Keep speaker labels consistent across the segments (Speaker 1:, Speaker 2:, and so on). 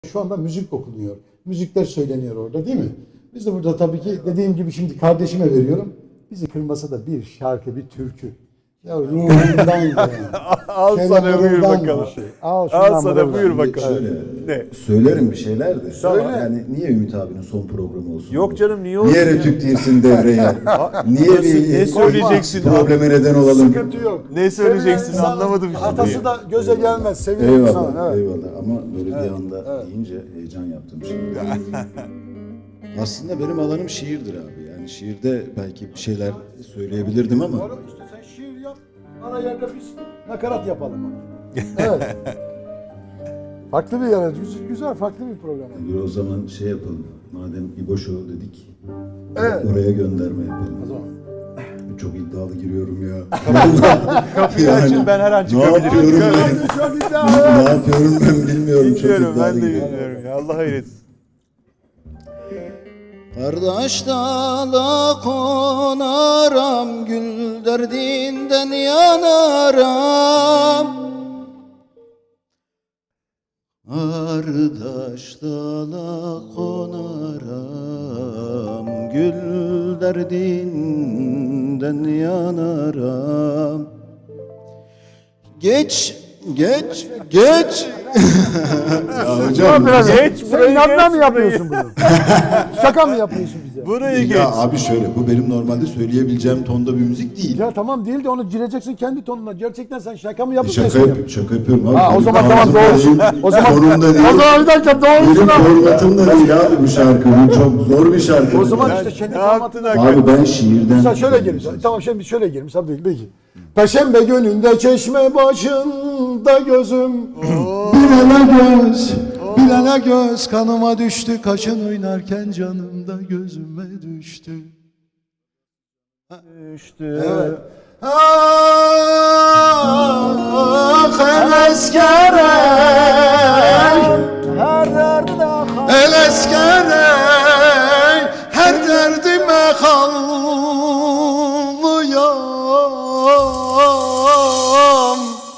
Speaker 1: Şu anda müzik okunuyor. Müzikler söyleniyor orada değil mi? Biz de burada tabii ki dediğim gibi şimdi kardeşime veriyorum. Bizi kırmasa da bir şarkı, bir türkü. Ya ruhundan yani.
Speaker 2: Al sana buyur bakalım.
Speaker 1: Şey. Al
Speaker 2: sana buyur bakalım.
Speaker 3: Şöyle,
Speaker 2: Ne?
Speaker 3: söylerim bir şeyler de.
Speaker 2: Tamam.
Speaker 3: Yani niye Ümit abinin son programı olsun?
Speaker 2: Yok
Speaker 3: bu?
Speaker 2: canım, niye olsun
Speaker 3: Niye
Speaker 2: ya?
Speaker 3: Retük girsin devreye? Niye
Speaker 2: Ne söyleyeceksin?
Speaker 3: probleme neden olalım?
Speaker 1: Sıkıntı yok.
Speaker 2: Ne söyleyeceksin?
Speaker 1: Sevilen
Speaker 2: Anlamadım
Speaker 1: insanın
Speaker 2: şimdi.
Speaker 1: Hatası da göze gelmez. Seviyorum
Speaker 3: Eyvallah,
Speaker 1: sana. Evet.
Speaker 3: eyvallah. Ama böyle bir anda deyince heyecan yaptım şimdi. Aslında benim alanım şiirdir abi. Yani şiirde belki bir şeyler söyleyebilirdim ama.
Speaker 1: Doğru, işte sen şiir yap. Ara yerde biz nakarat yapalım. Evet. Farklı bir yer. Güzel, farklı bir program.
Speaker 3: Dur o zaman şey yapalım. Madem İbo Show dedik.
Speaker 1: Evet.
Speaker 3: Oraya gönderme yapalım.
Speaker 1: O zaman.
Speaker 3: Çok iddialı giriyorum ya.
Speaker 2: Kapıyı açın, ben her an
Speaker 3: Ne
Speaker 2: çıkabilirim.
Speaker 3: yapıyorum ben?
Speaker 1: Çok
Speaker 3: Ne
Speaker 1: iddialı.
Speaker 3: yapıyorum ben bilmiyorum. Çok
Speaker 2: Bilmiyorum,
Speaker 3: iddialı
Speaker 2: ben de
Speaker 3: giriyorum.
Speaker 2: bilmiyorum ya. Allah hayretsin.
Speaker 3: Kardeş dala konaram, gül derdinden yanaram. Kardeş dala konaram, gül derdinden yanaram. Geç. Ya hocam.
Speaker 2: Geç burayı,
Speaker 1: İnatla mı
Speaker 2: geç
Speaker 1: yapıyorsun bunu? Şaka mı yapıyorsun bize?
Speaker 2: Burayı geç.
Speaker 3: Ya abi şöyle, bu benim normalde söyleyebileceğim tonda bir müzik değil.
Speaker 1: Ya tamam değil de onu gireceksin kendi tonuna. Gerçekten sen şaka mı yapıp
Speaker 3: Şaka yapıyorum abi.
Speaker 1: Ha, o zaman
Speaker 3: Benim
Speaker 1: tamam, doğrusun.
Speaker 3: tarzım
Speaker 1: O zaman-
Speaker 3: sorun da değil.
Speaker 1: O zaman bir dakika doğrusun
Speaker 3: Benim
Speaker 1: ama.
Speaker 3: formatım da değil abi bu şarkı. Bu çok zor bir şarkı.
Speaker 1: O zaman
Speaker 2: Ya
Speaker 1: işte kendi
Speaker 2: ne yaptın
Speaker 1: formatına.
Speaker 2: hakikaten?
Speaker 3: Abi ben şiirden...
Speaker 1: Mesela şöyle girmiş. Tamam şimdi şöyle girmiş. Tabii peki. Perşembe gününde çeşme başında gözüm.
Speaker 3: Bilene göz kanıma düştü. Kaşın oynarken canımda gözüme düştü.
Speaker 2: İşte.
Speaker 1: Evet.
Speaker 3: Ah el eskerey, el eskerey, her derdime kallıyam.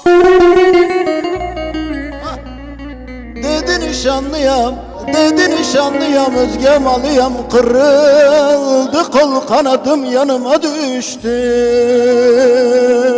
Speaker 3: Dedi nişanlıyam, özge malıyam, kırıldı kol kanadım yanıma düştü.